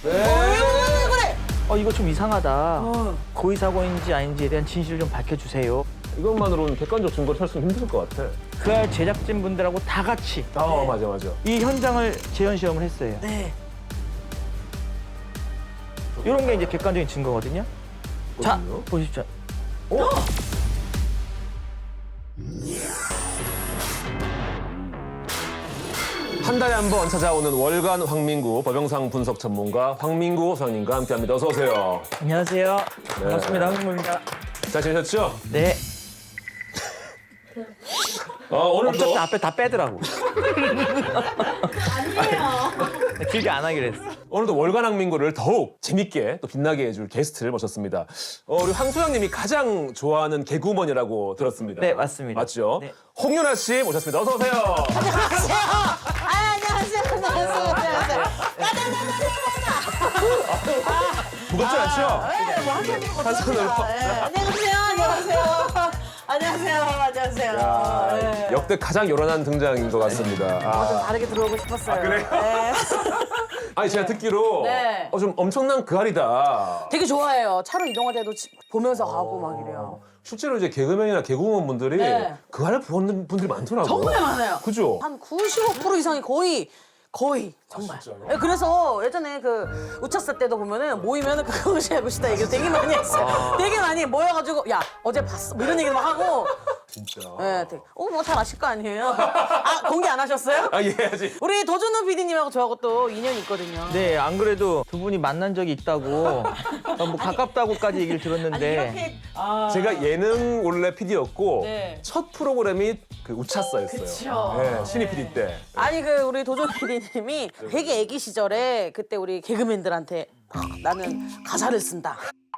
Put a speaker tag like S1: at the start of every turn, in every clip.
S1: 그래?
S2: 이거 좀 이상하다. 고의 사고인지 아닌지에 대한 진실을 좀 밝혀주세요.
S3: 이것만으로는 객관적 증거를 찾기는 힘들 것 같아.
S2: 그날 제작진 분들하고 다 같이
S3: 맞아.
S2: 이 현장을 재현 시험을 했어요.
S1: 네.
S2: 이런 게 이제 객관적인 증거거든요. 자,
S3: 그렇군요.
S2: 보십시오.
S3: 한 달에 한 번 찾아오는 월간 황민구 법영상 분석 전문가 황민구 소장님과 함께합니다. 어서 오세요.
S2: 안녕하세요. 반갑습니다. 황민구입니다.
S3: 잘 지내셨죠?
S2: 네.
S3: 오늘도
S2: 어차피 앞에 다 빼더라고.
S1: 아니에요.
S2: 길게 안 하기로 했어.
S3: 오늘도 월간 황민구를 더욱 재밌게 또 빛나게 해줄 게스트를 모셨습니다. 우리 황 소장님이 가장 좋아하는 개그우먼이라고 들었습니다.
S2: 네, 맞습니다.
S3: 맞죠?
S2: 네.
S3: 홍윤아 씨 모셨습니다. 어서 오세요.
S1: 안녕하세요. 안녕하세요.
S3: 무겁지 않죠?
S1: 네, 뭐 하시는 거
S3: 한 손으로.
S1: 안녕하세요.
S3: 야, 역대 가장 요란한 등장인 것 같습니다.
S1: 좀 다르게 들어오고 싶었어요.
S3: 그래요?
S1: 네.
S3: 아니 제가 듣기로
S1: 네.
S3: 좀 엄청난 그알이다.
S1: 되게 좋아해요. 차로 이동할 때도 보면서 가고 막 이래요.
S3: 실제로 이제 개그맨이나 개그우먼 분들이
S1: 네.
S3: 그알을 보는 분들이 많더라고요.
S1: 정말 많아요.
S3: 그죠?
S1: 한 95% 이상이 거의 정말.
S3: 진짜요?
S1: 네, 그래서 예전에 그 우차사 때도 보면은 모이면은 그것이 알고 싶다 얘기를 되게 많이 했어요. 되게 많이 모여가지고 야 어제 봤어 뭐 이런 얘기도 막 하고.
S3: 진짜.
S1: 네, 되게 뭐 잘 아실 거 아니에요. 공개 안 하셨어요?
S3: 예, 아직.
S1: 우리 도준호 PD님하고 저하고 또 인연이 있거든요.
S2: 네, 안 그래도 두 분이 만난 적이 있다고, 뭐 가깝다고까지 얘기를 들었는데.
S3: 제가 예능 원래 PD였고
S1: 네.
S3: 첫 프로그램이 그 우차사였어요.
S1: 그쵸.
S3: 네, 신입 PD 때.
S1: 아니 그 우리 도준 PD님이 되게 애기 시절에 그때 우리 개그맨들한테 나는 가사를 쓴다.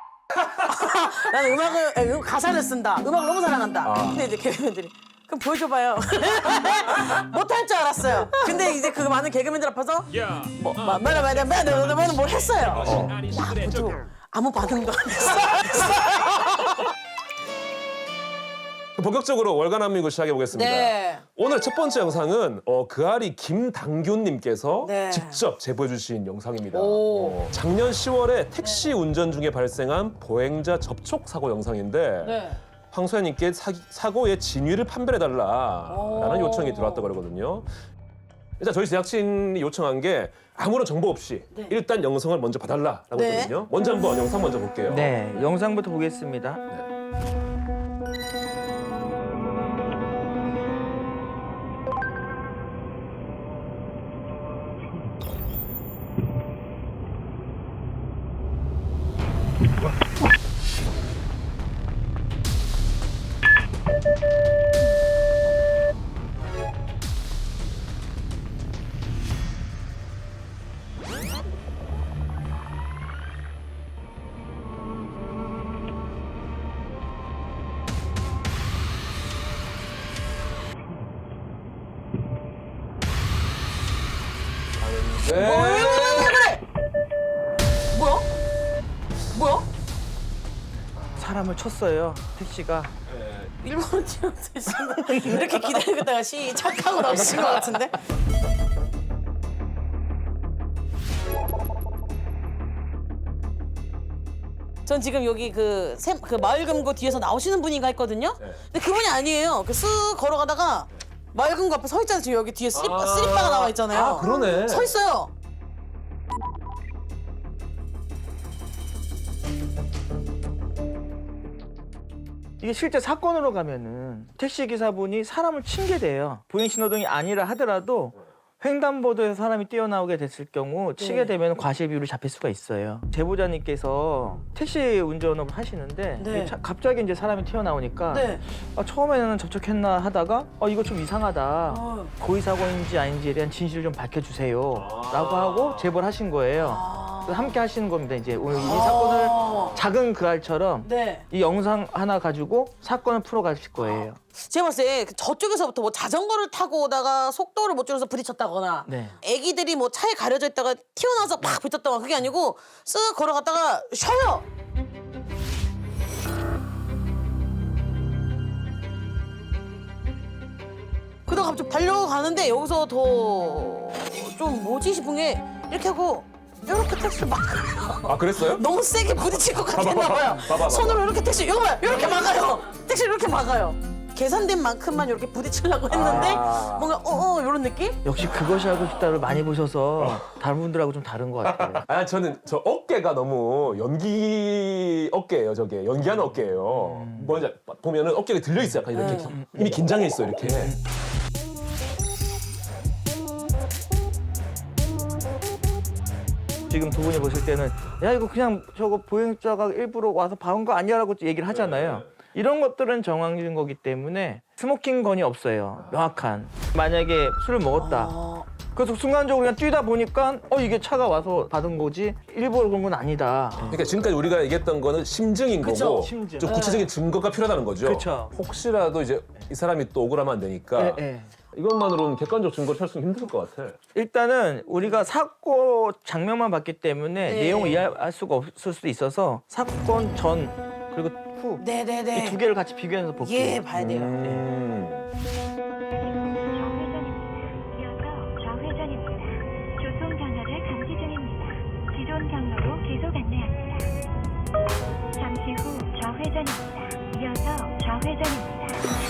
S1: 나는 가사를 쓴다. 음악을 너무 사랑한다. 근데 이제 개그맨들이 그럼 보여줘봐요. 못할 줄 알았어요. 근데 이제 그 많은 개그맨들 앞에서 뭘 했어요. 아무도 아무 반응도 안 했어.
S3: 본격적으로 월간 한민구 시작해 보겠습니다.
S1: 네.
S3: 오늘 첫 번째 영상은 그아리 김당균님께서
S1: 네.
S3: 직접 제보해 주신 영상입니다.
S1: 오.
S3: 작년 10월에 택시 운전 중에 발생한 보행자 접촉 사고 영상인데
S1: 네.
S3: 황 소장님께 사고의 진위를 판별해달라라는
S1: 오.
S3: 요청이 들어왔다고 그러거든요. 일단 저희 제작진이 요청한 게 아무런 정보 없이 일단 영상을 먼저 봐달라라고
S1: 네.
S3: 했거든요. 먼저 한번 영상 먼저 볼게요.
S2: 네, 영상부터 보겠습니다.
S3: 네.
S1: 뭐야?
S2: 사람을 쳤어요, 택시가.
S1: 일본어 튀어나오시는 이렇게 기다리고 있다가 시작하고 나오신 것 같은데? 전 지금 여기 그 마을금고 뒤에서 나오시는 분인가 했거든요? 근데 그분이 아니에요. 쓱 걸어가다가 마을금고 앞에 서 있잖아요. 지금 여기 뒤에 슬리퍼가 나와 있잖아요.
S3: 아, 그러네.
S1: 서 있어요.
S2: 이게 실제 사건으로 가면은 택시 기사분이 사람을 친 게 돼요. 보행 신호등이 아니라 하더라도 횡단보도에서 사람이 뛰어나오게 됐을 경우 치게 되면 과실 비율이 잡힐 수가 있어요. 제보자님께서 택시 운전을 하시는데
S1: 네.
S2: 갑자기 이제 사람이 튀어나오니까
S1: 네.
S2: 처음에는 접촉했나 하다가 이거 좀 이상하다. 고의 사고인지 아닌지에 대한 진실을 좀 밝혀주세요. 라고 하고 제보를 하신 거예요. 그래서 함께 하시는 겁니다. 이제 오늘 이 사건을 작은 그알처럼
S1: 네.
S2: 이 영상 하나 가지고 사건을 풀어가실 거예요.
S1: 제가 봤을 때 저쪽에서부터 뭐 자전거를 타고 오다가 속도를 못 줄여서 부딪혔다거나
S2: 네.
S1: 애기들이 뭐 차에 가려져 있다가 튀어나와서 팍 부딪혔다거나 그게 아니고 쓱 걸어갔다가 쉬어요. 그러다가 갑자기 달려가는데 여기서 더 좀 뭐지 싶은 게 이렇게 하고 이렇게 택시를 막아요.
S3: 아 그랬어요?
S1: 너무 세게 부딪힐 것 같았나 봐요.
S3: 봐봐.
S1: 손으로 이렇게 택시 이거 봐요. 이렇게 막아요. 택시 이렇게 막아요. 계산된 만큼만 이렇게 부딪히려고 했는데
S3: 아.
S1: 뭔가 이런 느낌?
S2: 역시 그것이 알고 싶다를 많이 보셔서 다른 분들하고 좀 다른 것 같아요.
S3: 아 저는 저 어깨가 너무 연기 어깨예요. 저게 연기하는 어깨예요. 뭔지 보면은 어깨가 들려 있어 약간 이렇게 이미 긴장해 있어 이렇게.
S2: 지금 두 분이 보실 때는 야 이거 그냥 저거 보행자가 일부러 와서 박은 거 아니야라고 얘기를 하잖아요. 이런 것들은 정황진 거기 때문에 스모킹 건이 없어요. 명확한. 만약에 술을 먹었다. 그래서 순간적으로 그냥 뛰다 보니까 이게 차가 와서 받은 거지 일부러 그런 건 아니다.
S3: 그러니까 지금까지 우리가 얘기했던 거는 심증인
S1: 그쵸,
S3: 거고
S2: 심증.
S3: 좀 구체적인 증거가 필요하다는 거죠.
S2: 그쵸.
S3: 혹시라도 이제 이 사람이 또 억울하면 안 되니까
S2: 예.
S3: 이것만으로는 객관적 증거를 찾기는 힘들 것 같아.
S2: 일단은 우리가 사고 장면만 봤기 때문에
S1: 네.
S2: 내용을 이해할 수가 없을 수도 있어서 사건 전 그리고 후 이
S1: 네네네.
S2: 두 개를 같이 비교해서 볼게요.
S1: 예, 봐야 돼요.
S4: 좌회전입니다. 이어서 좌회전입니다. 교통 경로를 감지 중입니다. 기존 경로로 계속 안내합니다. 잠시 후 좌회전입니다. 이어서 좌회전입니다.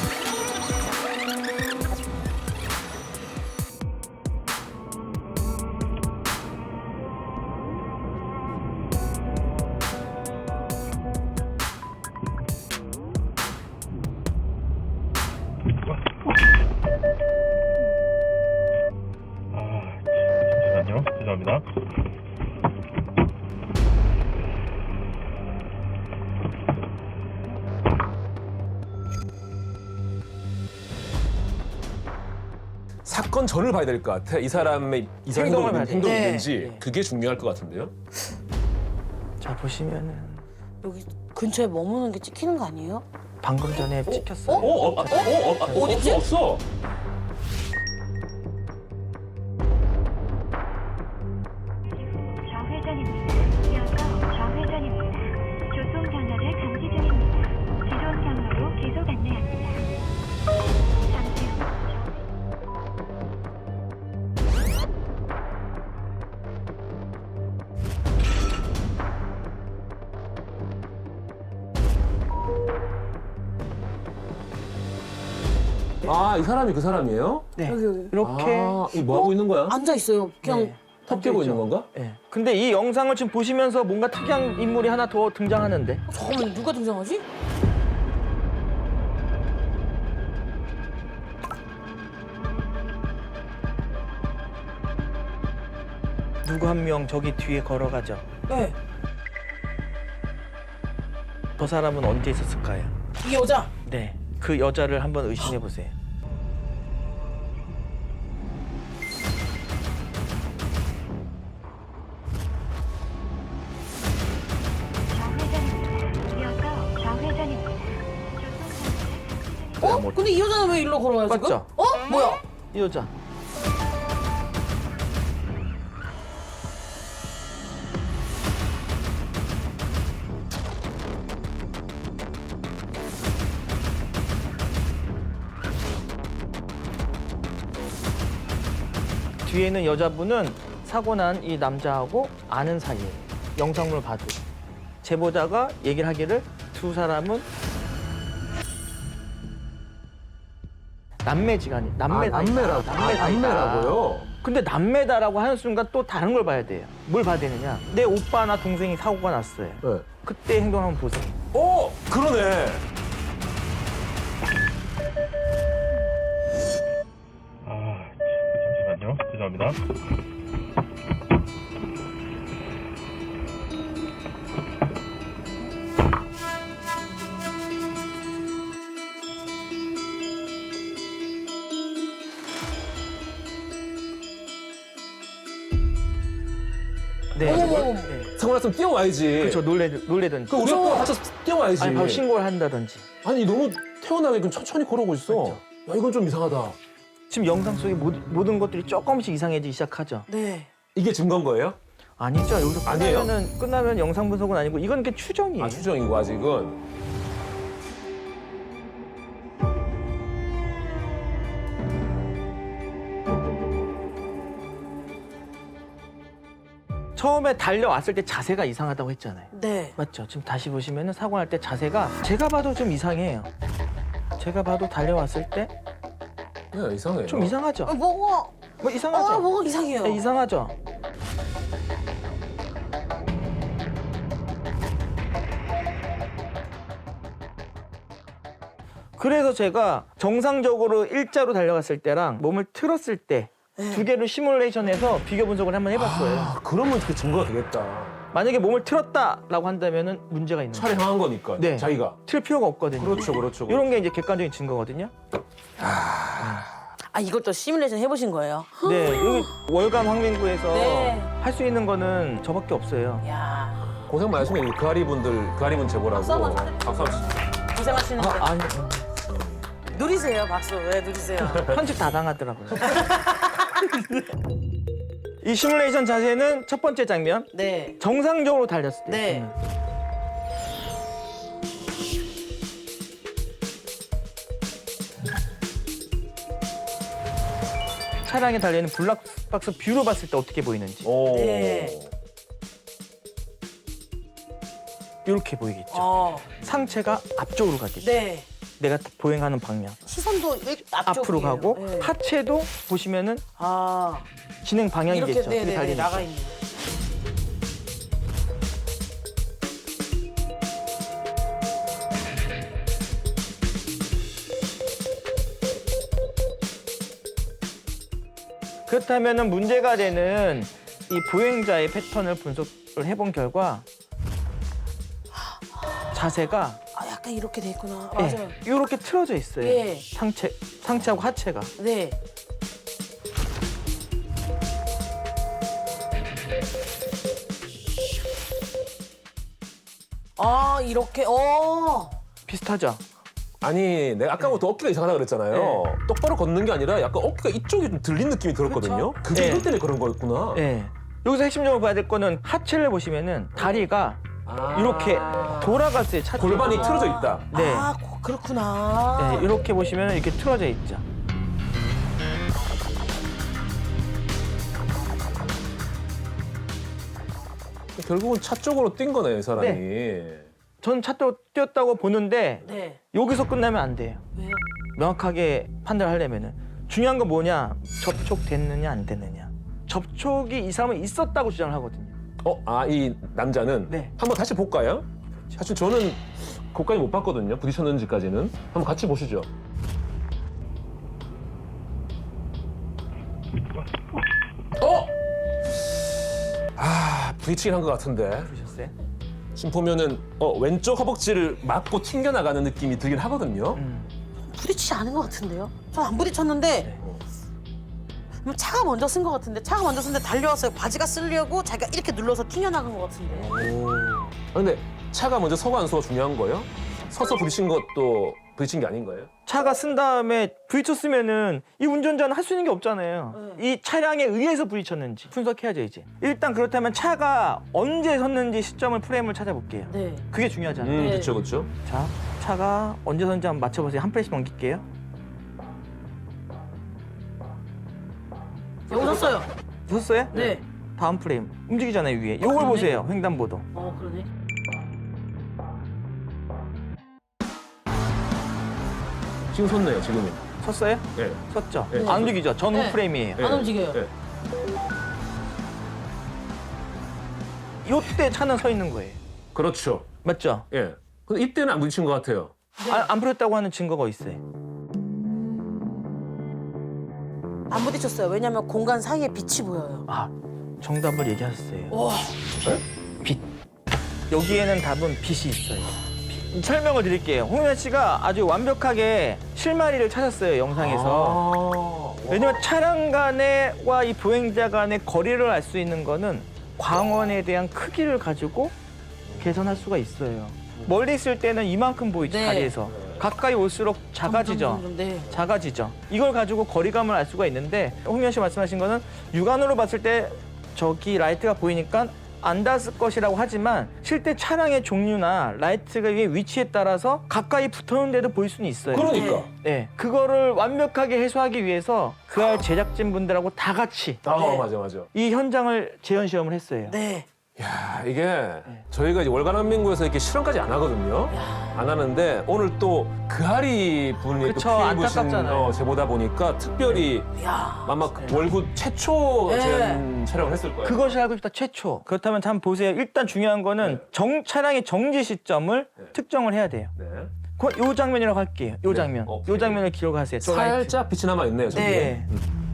S5: 잠시만요. 죄송합니다.
S3: 사건 전을 봐야 될 것 같아. 이 사람의
S2: 행동을 봐야 돼.
S3: 행동이
S1: 네.
S3: 있는지
S2: 네.
S3: 그게 중요할 것 같은데요.
S2: 자 보시면은
S1: 여기 근처에 머무는 게 찍히는 거 아니에요?
S2: 방금 전에 찍혔어요.
S1: 어딨지?
S3: 없어.
S4: 좌회전입니다. 이어서 좌회전입니다. 교통 경로를 감지 중입니다. 기존 경로로 계속 안내합니다. 잠시 후
S3: 아, 이 사람이 그 사람이에요?
S2: 네.
S1: 여기.
S2: 이렇게
S3: 아, 이 뭐 하고 있는 거야?
S1: 앉아 있어요. 그냥
S2: 네.
S3: 턱 깨고 있는 건가?
S2: 예. 근데 이 영상을 지금 보시면서 뭔가 특이한 인물이 하나 더 등장하는데
S1: 잠깐만 누가 등장하지?
S2: 누구 한 명 저기 뒤에 걸어가죠.
S1: 네.
S2: 저 사람은 언제 있었을까요?
S1: 이 여자.
S2: 네. 그 여자를 한번 의심해 보세요.
S4: 좌회전입니다. 이어서 좌회전입니다. 교통 경로를 감지 중입니다.
S1: 근데 이 여자는 왜 일로 걸어와요 지금?
S2: 맞죠?
S1: 뭐야?
S2: 이 여자. 뒤에 있는 여자분은 사고 난 이 남자하고 아는 사이예요. 영상물 봐도. 제보자가 얘기를 하기를 두 사람은 남매지간이
S3: 남매라고요?
S2: 근데 남매다라고 하는 순간 또 다른 걸 봐야 돼요. 뭘 봐야 되느냐? 내 오빠나 동생이 사고가 났어요.
S3: 네.
S2: 그때 행동 한번 보세요.
S3: 그러네.
S5: 잠시만요. 죄송합니다.
S2: 네.
S1: 어머.
S2: 네.
S3: 사고 났으면 뛰어와야지.
S2: 그렇죠. 놀래든지.
S3: 그 우리 오빠가 다쳐서 뛰어와야지.
S2: 아니 바로 신고를 한다든지.
S3: 아니 너무 태어나게끔 천천히 걸어오고 있어. 야 이건 좀 이상하다.
S2: 지금 영상 속의 모든 것들이 조금씩 이상해지기 시작하죠.
S1: 네.
S3: 이게 증거인 거예요?
S2: 아니죠. 여기서
S3: 아니에요?
S2: 끝나면 영상 분석은 아니고 이건 그냥 추정이에요.
S3: 아 추정이고 아직은.
S2: 처음에 달려왔을 때 자세가 이상하다고 했잖아요.
S1: 네.
S2: 맞죠? 지금 다시 보시면은 사고 날 때 자세가 제가 봐도 좀 이상해요. 제가 봐도 달려왔을 때 좀
S3: 네, 이상해요.
S2: 이상하죠?
S1: 뭐가
S2: 뭐 이상하죠?
S1: 뭐가 이상해요.
S2: 네, 이상하죠? 그래서 제가 정상적으로 일자로 달려갔을 때랑 몸을 틀었을 때 두 개를 시뮬레이션해서 비교 분석을 한번 해봤어요.
S3: 아, 그러면 그 증거가 되겠다.
S2: 만약에 몸을 틀었다라고 한다면은 문제가 있는 거예요.
S3: 차를 향한 거니까.
S2: 네.
S3: 자기가.
S2: 틀 필요가 없거든요.
S3: 그렇죠.
S2: 이런 게 이제 객관적인 증거거든요.
S1: 아 이걸 또 시뮬레이션 해보신 거예요?
S2: 네, 여기 월감 황민구에서
S1: 네.
S2: 할 수 있는 거는 저밖에 없어요.
S1: 야
S3: 고생 많으시네. 그 아리분 제보라고.
S1: 박수 한번 쳐드릴게요.
S3: 박수 한번
S1: 고생하시는데
S2: 아니,
S1: 누리세요 박수. 왜 누리세요?
S2: 편집 다 당하더라고요. 이 시뮬레이션 자세는 첫 번째 장면.
S1: 네.
S2: 정상적으로 달렸을 때.
S1: 네.
S2: 차량에 달려있는 블랙박스 뷰로 봤을 때 어떻게 보이는지.
S3: 오.
S1: 네.
S2: 이렇게 보이겠죠. 상체가 앞쪽으로 가겠죠.
S1: 네.
S2: 내가 보행하는 방향.
S1: 시선도 앞쪽이에요.
S2: 앞으로 가고
S1: 네.
S2: 하체도 보시면은
S1: 아
S2: 진행 방향이겠죠.
S1: 이렇게
S2: 그게
S1: 네네
S2: 달리니까.
S1: 나가 있는.
S2: 그렇다면은 문제가 되는 이 보행자의 패턴을 분석을 해본 결과 자세가
S1: 아 약간 이렇게 돼 있구나. 맞아요.
S2: 이렇게 틀어져 있어요.
S1: 예.
S2: 상체하고 하체가.
S1: 네. 아 이렇게
S2: 비슷하죠.
S3: 아니, 내가 아까부터 어깨가 이상하다 그랬잖아요.
S2: 네.
S3: 똑바로 걷는 게 아니라 약간 어깨가 이쪽이 좀 들린 느낌이 들었거든요. 그게
S2: 네.
S3: 이것 때문에 그런 거였구나.
S2: 네. 여기서 핵심적으로 봐야 될 거는 하체를 보시면은 다리가
S3: 아.
S2: 이렇게 돌아갔어요. 차
S3: 골반이 틀어져 있다.
S2: 네.
S1: 아 그렇구나.
S2: 네, 이렇게 보시면 이렇게 틀어져 있죠.
S3: 결국은 차 쪽으로 뛴 거네요, 이 사람이.
S2: 저는 차도 뛰었다고 보는데
S1: 네.
S2: 여기서 끝나면 안 돼요.
S1: 왜요?
S2: 명확하게 판단하려면은 중요한 건 뭐냐? 접촉됐느냐 안 됐느냐. 접촉이 이 사람은 있었다고 주장을 하거든요.
S3: 이 남자는?
S2: 네.
S3: 한번 다시 볼까요? 사실 저는 그것까지 못 봤거든요. 부딪혔는지까지는. 한번 같이 보시죠. 부딪히긴 한 것 같은데.
S2: 보셨어요?
S3: 지금 보면은 왼쪽 허벅지를 맞고 튕겨나가는 느낌이 들긴 하거든요.
S1: 부딪히지 않은 것 같은데요? 전 안 부딪혔는데
S2: 네.
S1: 차가 먼저 쓴 것 같은데 차가 먼저 쓴데 달려왔어요. 바지가 쓰려고 자기가 이렇게 눌러서 튕겨나간 것 같은데.
S3: 근데 차가 먼저 서고 안 서가 중요한 거예요? 서서 부딪힌 것도 부딪힌 게 아닌 거예요?
S2: 차가 쓴 다음에 부딪혔으면은 이 운전자는 할 수 있는 게 없잖아요. 이 차량에 의해서 부딪혔는지 분석해야죠 이제. 일단 그렇다면 차가 언제 섰는지 시점을 프레임을 찾아볼게요.
S1: 네.
S2: 그게 중요하잖아요.
S1: 네.
S3: 그렇죠, 그렇죠.
S2: 자, 차가 언제 섰는지 한번 맞춰보세요. 한 프레임씩 넘길게요.
S1: 여기 섰어요.
S2: 섰어요?
S1: 네.
S2: 다음 프레임 움직이잖아요 위에. 요걸
S1: 그러네.
S2: 보세요. 횡단보도.
S1: 그러네.
S3: 지금 섰네요, 지금은.
S2: 섰어요?
S3: 네.
S2: 섰죠?
S3: 네.
S2: 안 움직이죠? 전후
S1: 네.
S2: 프레임이에요.
S1: 안 움직여요.
S3: 네.
S2: 요때 차는 서 있는 거예요.
S3: 그렇죠.
S2: 맞죠?
S3: 예. 근데 이때는 안 부딪힌 것 같아요.
S2: 안 풀렸다고 하는 증거가 있어요.
S1: 안 부딪혔어요. 왜냐면 공간 사이에 빛이 보여요.
S2: 아, 정답을 얘기하셨어요.
S1: 와.
S2: 빛. 여기에는 답은 빛이 있어요. 설명을 드릴게요. 홍윤아 씨가 아주 완벽하게 실마리를 찾았어요, 영상에서. 왜냐면 차량 간에와 이 보행자 간의 거리를 알 수 있는 거는 광원에 대한 크기를 가지고 계산할 수가 있어요. 멀리 있을 때는 이만큼 보이죠,
S1: 네.
S2: 다리에서. 가까이 올수록 작아지죠.
S1: 네.
S2: 작아지죠. 이걸 가지고 거리감을 알 수가 있는데 홍윤아 씨 말씀하신 거는 육안으로 봤을 때 저기 라이트가 보이니까 안 닿았을 것이라고 하지만 실제 차량의 종류나 라이트가 위치에 따라서 가까이 붙었는데도 보일 수는 있어요.
S3: 그러니까.
S2: 네, 그거를 완벽하게 해소하기 위해서 그할 제작진 분들하고 다 같이
S3: 맞아.
S2: 이 현장을 재현 시험을 했어요.
S1: 네.
S3: 야, 이게 저희가 이제 월간한민국에서 이렇게 실험까지 안 하거든요. 안 하는데 오늘 또 그하리 분이
S2: 그쵸,
S3: 또 피해 입으신
S2: 안타깝잖아요.
S3: 제보다 보니까 특별히
S1: 야.
S3: 아마 월급 최초
S1: 네.
S3: 재현 촬영을 했을 거예요.
S2: 그것이 알고 싶다 최초. 그렇다면 한번 보세요. 일단 중요한 거는 차량의 정지 시점을 특정을 해야 돼요.
S3: 네.
S2: 요 장면이라고 할게요. 요 장면.
S3: 오케이.
S2: 요 장면을 기록하세요. 저 라이트.
S3: 살짝 빛이 남아 있네요. 저기.
S1: 네.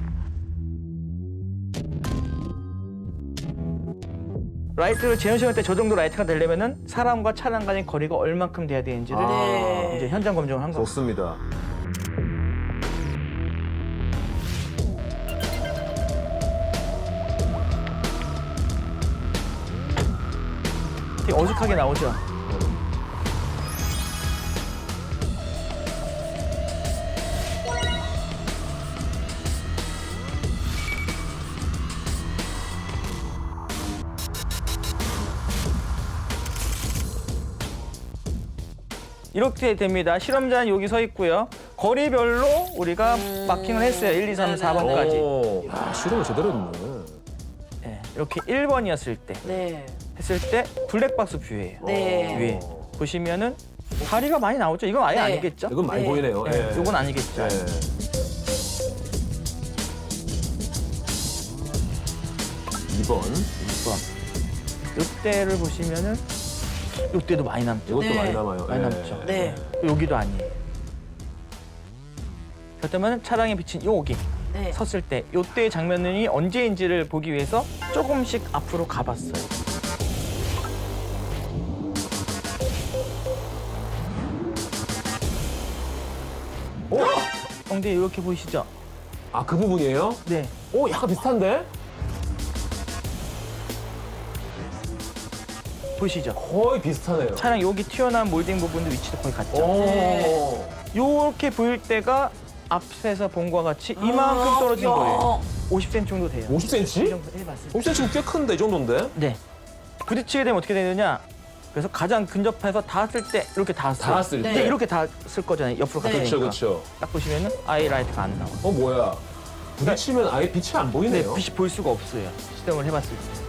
S2: 라이트를 재현 시험 때 저 정도 라이트가 되려면은 사람과 차량 간의 거리가 얼만큼 돼야 되는지를
S1: 네.
S2: 이제 현장 검증을 한 거죠.
S3: 좋습니다.
S2: 되게 어색하게 나오죠. 이렇게 됩니다. 실험자는 여기 서 있고요. 거리별로 우리가 마킹을 했어요. 1, 2, 3, 4번까지.
S3: 오, 야, 실험을 제대로 했네.
S2: 네, 이렇게 1번이었을 때
S1: 네.
S2: 했을 때 블랙박스 뷰예요.
S1: 네.
S2: 위에 보시면은 다리가 많이 나오죠. 이건 아예
S1: 네.
S2: 아니겠죠?
S3: 이건 많이
S1: 네.
S3: 보이네요.
S2: 네,
S3: 예.
S2: 이건 아니겠죠.
S3: 네. 2번.
S2: 2번. 이때를 보시면은 이때도 많이 남죠.
S3: 이것도
S1: 네.
S3: 많이 남아요.
S2: 많이
S3: 예.
S2: 남죠.
S1: 네.
S2: 여기도 아니에요. 그렇다면 차량에 비친 여기
S1: 네.
S2: 섰을 때 이때의 장면이 언제인지를 보기 위해서 조금씩 앞으로 가봤어요. 엉덩이 이렇게 보이시죠?
S3: 아, 그 부분이에요?
S2: 네.
S3: 오, 약간 비슷한데?
S2: 보이시죠?
S3: 거의 비슷하네요.
S2: 차량 여기 튀어나온 몰딩 부분도 위치도 거의 같죠?
S3: 오.
S2: 요렇게 보일 때가 앞에서 본 것과 같이 이만큼 떨어진
S1: 야.
S2: 거예요. 50cm 정도 돼요. 이
S3: 50cm?
S2: 정도 해봤어요.
S3: 50cm면 꽤 큰데, 이 정도인데?
S2: 네. 부딪히게 되면 어떻게 되느냐? 그래서 가장 근접해서 닿았을 때 이렇게 닿았어요.
S3: 닿았을
S2: 근데
S1: 때.
S2: 이렇게 닿았을 거잖아요. 옆으로
S1: 네.
S2: 갔으니까.
S3: 그렇죠.
S2: 딱 보시면은 아예 라이트가 안 나와.
S3: 뭐야. 부딪히면 아예 빛이 안
S2: 네,
S3: 보이네요.
S2: 빛이 보일 수가 없어요. 시동을 해봤을 때.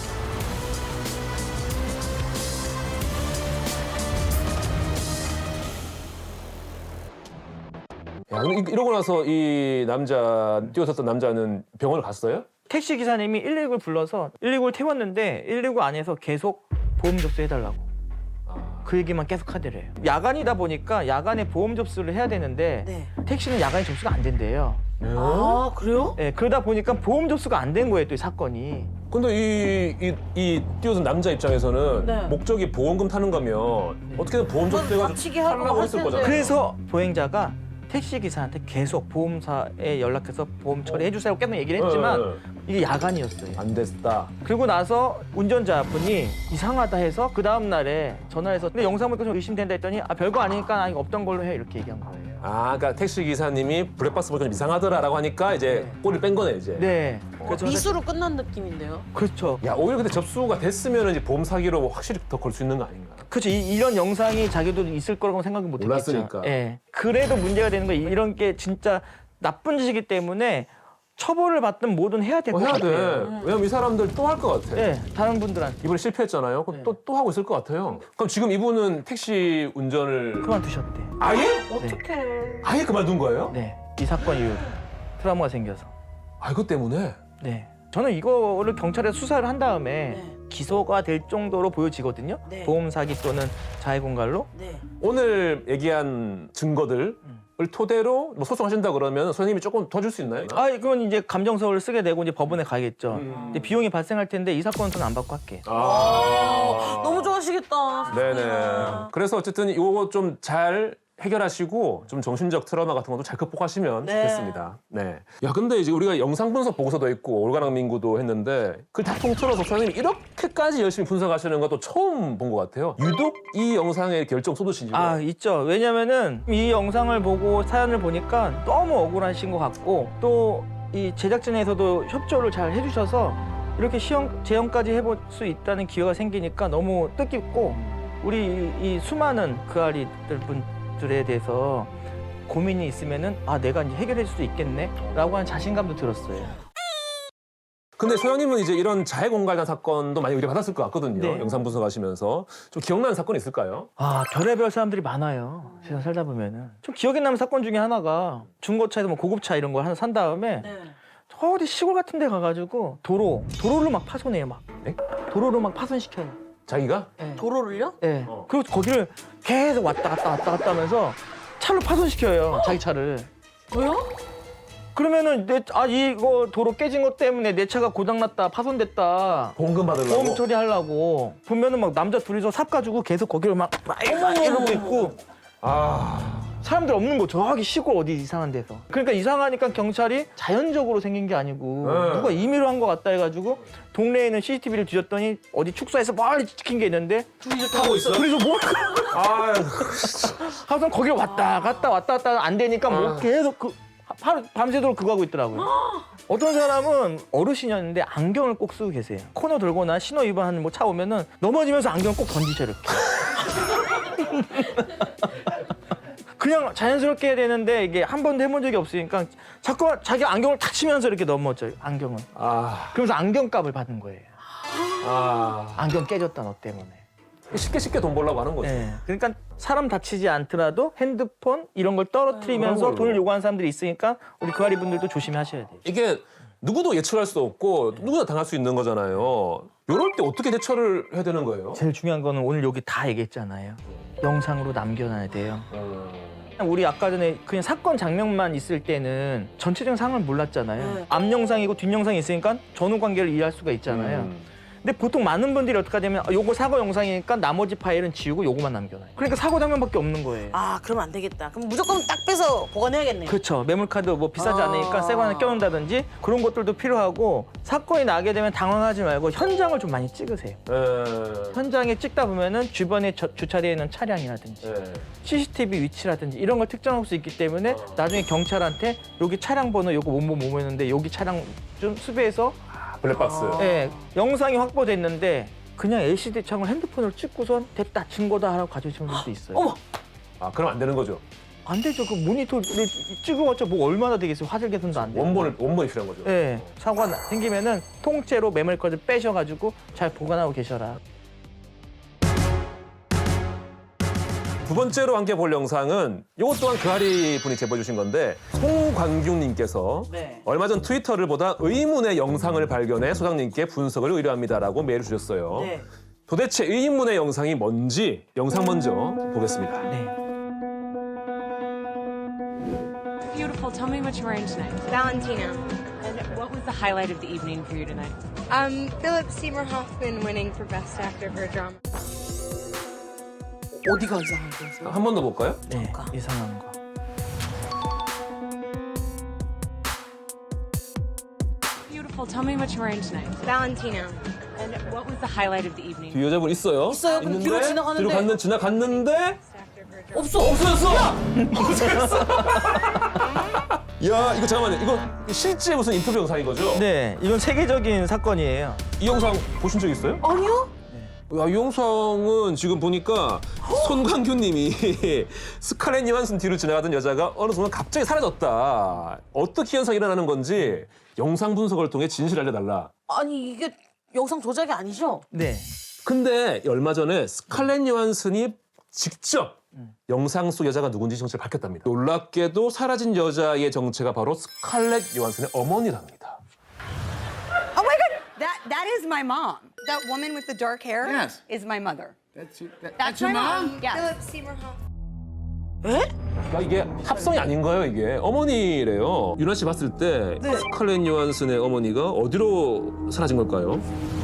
S3: 야, 근데 이러고 나서 이 남자, 뛰어섰던 남자는 병원을 갔어요?
S2: 택시 기사님이 119를 불러서 119를 태웠는데 119 안에서 계속 보험 접수해달라고.
S3: 아.
S2: 그 얘기만 계속 하더래요. 야간이다 보니까 야간에 보험 접수를 해야 되는데
S1: 네.
S2: 택시는 야간에 접수가 안 된대요.
S1: 아, 그래요?
S2: 네, 그러다 보니까 보험 접수가 안 된 거예요, 또 이 사건이.
S3: 근데 이 뛰어든 남자 입장에서는
S1: 네.
S3: 목적이 보험금 타는 거면 어떻게든 보험 접수해가지고
S1: 다치게 하고
S3: 하려고
S1: 할
S3: 했을
S1: 텐데.
S3: 거잖아요.
S2: 그래서 보행자가 택시 기사한테 계속 보험사에 연락해서 보험 처리해 주세요 계속 얘기를 했지만 이게 야간이었어요.
S3: 안 됐다.
S2: 그리고 나서 운전자분이 이상하다 해서 그 다음 날에 전화해서 근데 영상 보니까 좀 의심된다 했더니 아 별거 아니니까 나 이거 없던 걸로 해 이렇게 얘기한 거예요.
S3: 아, 그러니까 택시 기사님이 블랙박스 보니까 좀 이상하더라라고 하니까 이제 꼬리를 뺀 거네 이제.
S2: 네. 그래서
S1: 미수로 끝난 느낌인데요.
S2: 그렇죠.
S3: 야, 오히려 근데 접수가 됐으면 이제 보험 사기로 확실히 더 걸 수 있는 거 아닌가?
S2: 그렇죠. 이런 영상이 자기도 있을 거라고 생각이 못 했겠죠.
S3: 몰랐으니까.
S2: 예. 그래도 문제가 되는 거 이런 게 진짜 나쁜 짓이기 때문에 처벌을 받든 뭐든 해야 될 것
S3: 해야 돼.
S2: 같아요.
S3: 왜냐면 이 사람들 또 할 것 같아.
S2: 예. 다른 분들한테
S3: 이번에 실패했잖아요. 그럼
S2: 네.
S3: 또 하고 있을 것 같아요. 그럼 지금 이분은 택시 운전을
S2: 그만두셨대.
S3: 아예?
S1: 어떡해.
S3: 아예 그만둔 거예요?
S2: 네. 이 사건 이후로 트라우마가 생겨서.
S3: 아, 이것 때문에?
S2: 네. 저는 이거를 경찰에 수사를 한 다음에
S1: 네.
S2: 기소가 될 정도로 보여지거든요.
S1: 네.
S2: 보험 사기 또는 자해공갈로.
S1: 네.
S3: 오늘 얘기한 증거들을 토대로 뭐 소송하신다 그러면 선생님이 조금 더 줄 수 있나요?
S2: 아, 그건 이제 감정서를 쓰게 되고 이제 법원에 가겠죠.
S3: 음.
S2: 근데 비용이 발생할 텐데 이 사건은 저는 안 받고 할게.
S3: 아.
S1: 너무 좋아하시겠다.
S3: 네네.
S1: 세상에나.
S3: 그래서 어쨌든 이거 좀 잘 해결하시고 좀 정신적 트라우마 같은 것도 잘 극복하시면
S1: 네.
S3: 좋겠습니다. 네. 야, 근데 이제 우리가 영상 분석 보고서도 있고 올가랑 민구도 했는데 그걸 다 통틀어서 선생님이 이렇게까지 열심히 분석하시는 것도 처음 본 것 같아요. 유독 이 영상에 결정 쏟으신 이유가
S2: 아, 있죠. 왜냐면은 이 영상을 보고 사연을 보니까 너무 억울하신 것 같고 또 이 제작진에서도 협조를 잘 해주셔서 이렇게 재연까지 해볼 수 있다는 기회가 생기니까 너무 뜻깊고 우리 이 수많은 그 아리들 분들에 대해서 고민이 있으면은 아 내가 이제 해결해 줄 수 있겠네라고 하는 자신감도 들었어요.
S3: 근데 소장님은 이제 이런 자해 공갈단 사건도 많이 의뢰받았을 것 같거든요.
S2: 네.
S3: 영상 분석하시면서 좀 기억나는 사건 있을까요?
S2: 아 별의별 사람들이 많아요. 세상 살다 보면은 좀 기억에 남는 사건 중에 하나가 중고차에서 뭐 고급차 이런 거 하나 산 다음에
S1: 네.
S2: 어디 시골 같은 데 가가지고 도로를 막 파손해요. 막
S3: 네?
S2: 도로를 막 파손시켜요.
S3: 자기가?
S2: 네.
S1: 도로를요?
S2: 네. 그리고 거기를 계속 왔다 갔다 하면서 차를 파손시켜요. 자기 차를.
S1: 왜요?
S2: 그러면은 이거 도로 깨진 것 때문에 내 차가 고장났다 파손됐다
S3: 보험금 받으려고?
S2: 보험 처리하려고 보면은 막 남자 둘이서 삽 가지고 계속 거기를 막 이러고 있고
S3: 아,
S2: 사람들 없는 거 저기 시골 어디 이상한 데서 그러니까 이상하니까 경찰이 자연적으로 생긴 게 아니고
S3: 네.
S2: 누가 임의로 한 것 같다 해가지고 동네에 있는 CCTV를 뒤졌더니 어디 축사에서 멀리 찍힌 게 있는데
S3: 타고 있어?
S2: 둘이서 뭐
S3: 아,
S2: 하여튼 거기를 왔다 갔다 안 되니까 뭐 계속 하루 밤새도록 그거 하고 있더라고요. 어떤 사람은 어르신이었는데 안경을 꼭 쓰고 계세요. 코너 돌거나 신호 위반하는 뭐 차 오면은 넘어지면서 안경 꼭 던지셔 이렇게. 그냥 자연스럽게 해야 되는데 이게 한 번도 해본 적이 없으니까 자꾸 자기 안경을 탁 치면서 이렇게 넘어져요. 안경을.
S3: 아,
S2: 그러면서 안경값을 받는 거예요.
S3: 아.
S2: 안경 깨졌다 너 때문에.
S3: 쉽게 돈 벌려고 하는 거죠.
S2: 네. 그러니까 사람 다치지 않더라도 핸드폰 이런 걸 떨어뜨리면서
S3: 그런 걸로.
S2: 돈을 요구하는 사람들이 있으니까 우리 그아리 분들도 조심하셔야 돼요.
S3: 이게 누구도 예측할 수 없고 누구나 당할 수 있는 거잖아요. 이럴 때 어떻게 대처를 해야 되는 거예요?
S2: 제일 중요한 거는 오늘 여기 다 얘기했잖아요. 영상으로 남겨놔야 돼요. 우리 아까 전에 그냥 사건 장면만 있을 때는 전체적인 상황을 몰랐잖아요.
S1: 네.
S2: 앞 영상이고 뒷 영상이 있으니까 전후 관계를 이해할 수가 있잖아요. 근데 보통 많은 분들이 어떻게 하냐면 요거 사고 영상이니까 나머지 파일은 지우고 요거만 남겨놔요. 그러니까 사고 장면밖에 없는 거예요.
S1: 아, 그러면 안 되겠다. 그럼 무조건 딱 빼서 보관해야겠네요.
S2: 그렇죠. 매물카드 뭐 비싸지
S1: 아.
S2: 않으니까 새 거 하나 껴놓는다든지 그런 것들도 필요하고 사건이 나게 되면 당황하지 말고 현장을 좀 많이 찍으세요. 현장에 찍다 보면은 주변에 주차되어 있는 차량이라든지 CCTV 위치라든지 이런 걸 특정할 수 있기 때문에 나중에 경찰한테 여기 차량 번호 요거 뭐였는데 여기 차량 좀 수배해서
S3: 블랙박스.
S2: 예, 영상이 확보됐는데 그냥 LCD 창을 핸드폰으로 찍고선 됐다 증거다 하라고 가져오시는 분도 있어요.
S1: 어머!
S3: 아, 그럼 안 되는 거죠.
S2: 안 되죠. 그 모니터를 찍어봤자 뭐 얼마나 되겠어요. 화질 개선도 안 돼요.
S3: 원본이 필요한 거죠.
S2: 예, 사고가 생기면은 통째로 메모리카드 빼셔가지고 잘 보관하고 계셔라.
S3: 두 번째로 함께 볼 영상은 이것 또한 그아리 분이 제보해 주신 건데 송광규님께서
S1: 네.
S3: 얼마 전 트위터를 보다 의문의 영상을 발견해 소장님께 분석을 의뢰합니다라고 메일을 주셨어요.
S1: 네.
S3: 도대체 의문의 영상이 뭔지 영상 먼저 보겠습니다.
S2: 네.
S6: Beautiful. Tell me what you were wearing tonight.
S7: Valentina.
S6: And what was the highlight of the evening for you tonight?
S7: Philip Seymour Hoffman winning for Best Actor for a Drama.
S1: 어디가 이상한 거였어요?
S3: 한 번 더 볼까요?
S2: 네, 이상한 거.
S6: Beautiful. Tell me what you were wearing tonight.
S7: Valentina.
S6: And what was the highlight of the evening?
S3: 뒤 여자분 있어요.
S1: 있어요. 근데 뒤로 지나가는데.
S3: 뒤로 지나갔는데
S7: Best Actor for a Drama.
S3: 없어졌어. 야, 이거 잠깐만요. 이거 실제 무슨 인터뷰 영상인 거죠?
S2: 네, 이건 세계적인 사건이에요.
S3: 이 영상 보신 적 있어요?
S1: 아니요?
S3: 야, 이 영상은 지금 보니까 손광규님이 스칼렛 요한슨 뒤로 지나가던 여자가 어느 순간 갑자기 사라졌다. 어떻게 현상이 일어나는 건지 영상 분석을 통해 진실을 알려달라.
S1: 아니, 이게 영상 조작이 아니죠?
S2: 네.
S3: 근데 얼마 전에 스칼렛 요한슨이 직접 영상 속 여자가 누군지 정체를 밝혔답니다. 놀랍게도 사라진 여자의 정체가 바로 스칼렛 요한슨의 어머니랍니다.
S8: Oh my God! That is my mom. That woman with the dark hair
S9: Yes.
S8: is my mother.
S9: That's
S8: my
S9: your mom?
S8: Yes.
S7: Philip Seymour Hoffman.
S1: 에?
S3: 그러니까 이게 합성이 아닌 거예요, 이게. 어머니래요. 유나 씨 봤을 때 스칼렛 요한슨의 어머니가 어디로 사라진 걸까요?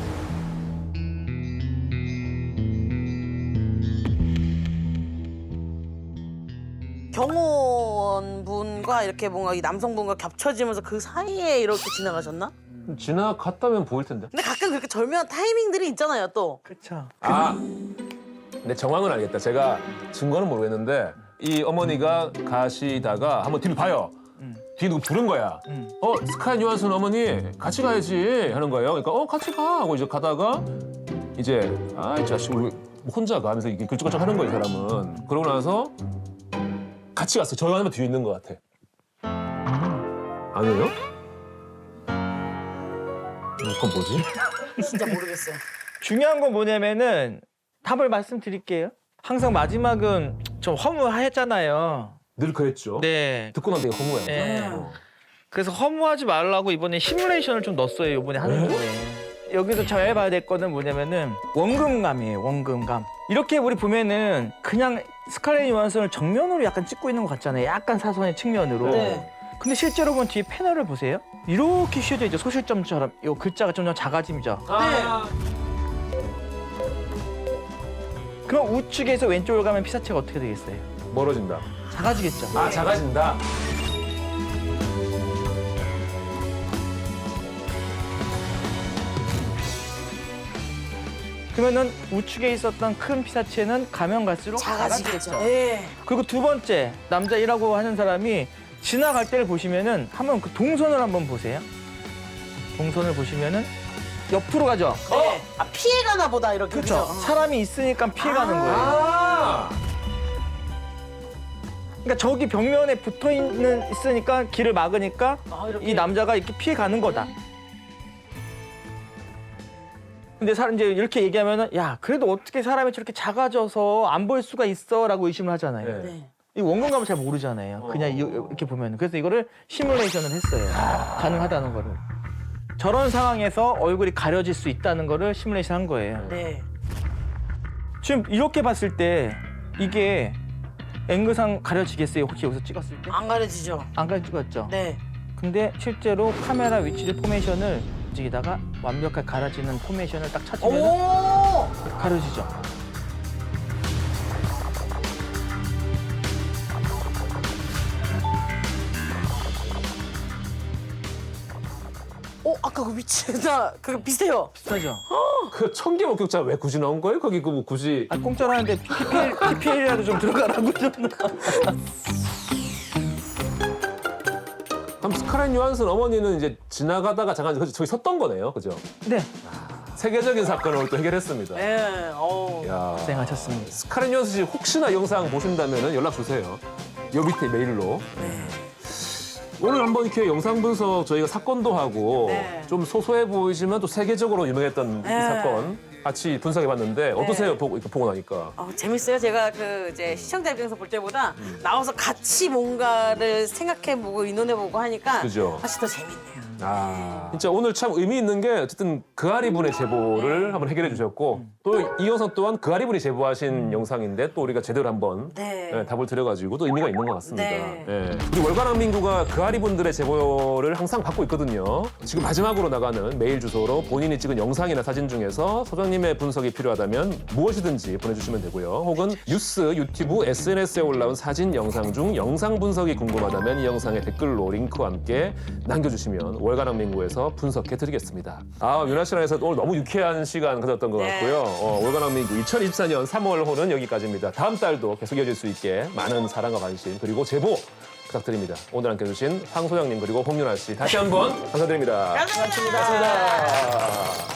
S1: 경호원분과 이렇게 뭔가 이 남성분과 겹쳐지면서 그 사이에 이렇게 지나가셨나?
S3: 지나갔다면 보일 텐데.
S1: 근데 가끔 그렇게 절묘한 타이밍들이 있잖아요, 또.
S2: 그렇죠.
S3: 아, 근데 정황은 알겠다. 제가 증거는 모르겠는데 이 어머니가 가시다가 한번 뒤를 봐요. 뒤에 누구 부른 거야. 스칼렛 요한슨 어머니 같이 가야지 하는 거예요. 그러니까 같이 가 하고 이제 가다가 이제 이 자식 우리 혼자 가 하면서 이렇게 글쩍글쩍 하는 거예요, 이 사람은. 그러고 나서 같이 갔어요. 저 하나만 뒤에 있는 것 같아. 아니에요? 그건 뭐지?
S1: 진짜 모르겠어요.
S2: 중요한 건 뭐냐면은 답을 말씀드릴게요. 항상 마지막은 좀 허무하였잖아요.
S3: 늘 그랬죠.
S2: 네.
S3: 듣고 난 되게 허무해요.
S2: 네. 그래서 허무하지 말라고 이번에 시뮬레이션을 좀 넣었어요. 이번에 하는 김에. 여기서 잘 봐야 될 거는 뭐냐면은 원금감이에요. 원금감. 이렇게 우리 보면은 그냥 스칼렛 요한슨을 정면으로 약간 찍고 있는 것 같잖아요. 약간 사선의 측면으로.
S1: 네.
S2: 근데 실제로 보면 뒤에 패널을 보세요. 이렇게 휘어져 있죠. 소실점처럼. 이 글자가 좀 작아짐이죠. 그럼 우측에서 왼쪽으로 가면 피사체가 어떻게 되겠어요?
S3: 멀어진다.
S2: 작아지겠죠.
S3: 작아진다.
S2: 그러면은 우측에 있었던 큰 피사체는 가면 갈수록
S1: 작아지겠죠.
S2: 작아지겠죠.
S1: 예.
S2: 그리고 두 번째 남자 1라고 하는 사람이 지나갈 때를 보시면은 한번 그 동선을 한번 보세요. 동선을 보시면은 옆으로 가죠.
S1: 네. 피해가나 보다 이렇게.
S2: 그렇죠.
S1: 그죠?
S2: 사람이 있으니까 피해가는 거예요. 그러니까 저기 벽면에 붙어 있으니까 길을 막으니까
S1: 이렇게.
S2: 이 남자가 이렇게 피해가는 거다. 근데 사람 이제 이렇게 얘기하면은 야 그래도 어떻게 사람이 저렇게 작아져서 안 볼 수가 있어라고 의심을 하잖아요.
S1: 네.
S2: 이 원근감을 잘 모르잖아요. 그냥 이렇게 보면. 그래서 이거를 시뮬레이션을 했어요. 가능하다는 거를. 저런 상황에서 얼굴이 가려질 수 있다는 거를 시뮬레이션 한 거예요.
S1: 네.
S2: 지금 이렇게 봤을 때 이게 앵글상 가려지겠어요? 혹시 여기서 찍었을 때?
S1: 안 가려지죠.
S2: 안 가려지겠죠?
S1: 네.
S2: 근데 실제로 카메라 위치를 포메이션을 움직이다가 완벽하게 가려지는 포메이션을 딱 찾으면
S1: 오!
S2: 가려지죠.
S1: 아까 그 위치나 그거 비슷해요.
S2: 비슷하죠?
S3: 그 천개 목격자 왜 굳이 나온 거예요? 거기 그 뭐 굳이
S2: 아, 공짜로 하는데 PPL이라도 좀 들어가라고 좀.
S3: 그럼 스칼렛 요한슨 어머니는 이제 지나가다가 잠깐 저기 섰던 거네요, 그죠?
S2: 네,
S3: 세계적인 사건을 또 해결했습니다.
S1: 네.
S3: 야,
S2: 고생하셨습니다.
S3: 스칼렛 요한슨 씨 혹시나 이 영상 보신다면 연락 주세요. 요 밑에 메일로. 오늘 한번 이렇게 영상 분석 저희가 사건도 하고
S1: 네.
S3: 좀 소소해 보이지만 또 세계적으로 유명했던 이 사건 같이 분석해봤는데 어떠세요? 이렇게 보고 나니까.
S1: 재밌어요. 제가 그 이제 시청자 입장에서 볼 때보다 나와서 같이 뭔가를 생각해보고 의논해보고 하니까
S3: 그죠.
S1: 훨씬 더 재밌네요.
S3: 진짜 오늘 참 의미 있는 게 어쨌든 그아리 분의 제보를 한번 해결해 주셨고 또 이 영상 또한 그아리 분이 제보하신 영상인데 또 우리가 제대로 한번
S1: 네.
S3: 답을 드려가지고 또 의미가 있는 것 같습니다.
S1: 네.
S3: 예. 우리 월간왕 민구가 그아리 분들의 제보를 항상 받고 있거든요. 지금 마지막으로 나가는 메일 주소로 본인이 찍은 영상이나 사진 중에서 소장님의 분석이 필요하다면 무엇이든지 보내주시면 되고요. 혹은 뉴스, 유튜브, SNS에 올라온 사진, 영상 중 영상 분석이 궁금하다면 이 영상의 댓글로 링크와 함께 남겨주시면 월간왕 민구에서 분석해드리겠습니다. 윤아 씨랑 해서 오늘 너무 유쾌한 시간 가졌던 것
S1: 네.
S3: 같고요. 월간왕 민구 2024년 3월 호는 여기까지입니다. 다음 달도 계속 이어질 수 있게 많은 사랑과 관심 그리고 제보 부탁드립니다. 오늘 함께 해주신 황 소장님 그리고 홍윤아 씨 다시 한번 감사드립니다.
S1: 감사합니다.
S3: 고맙습니다.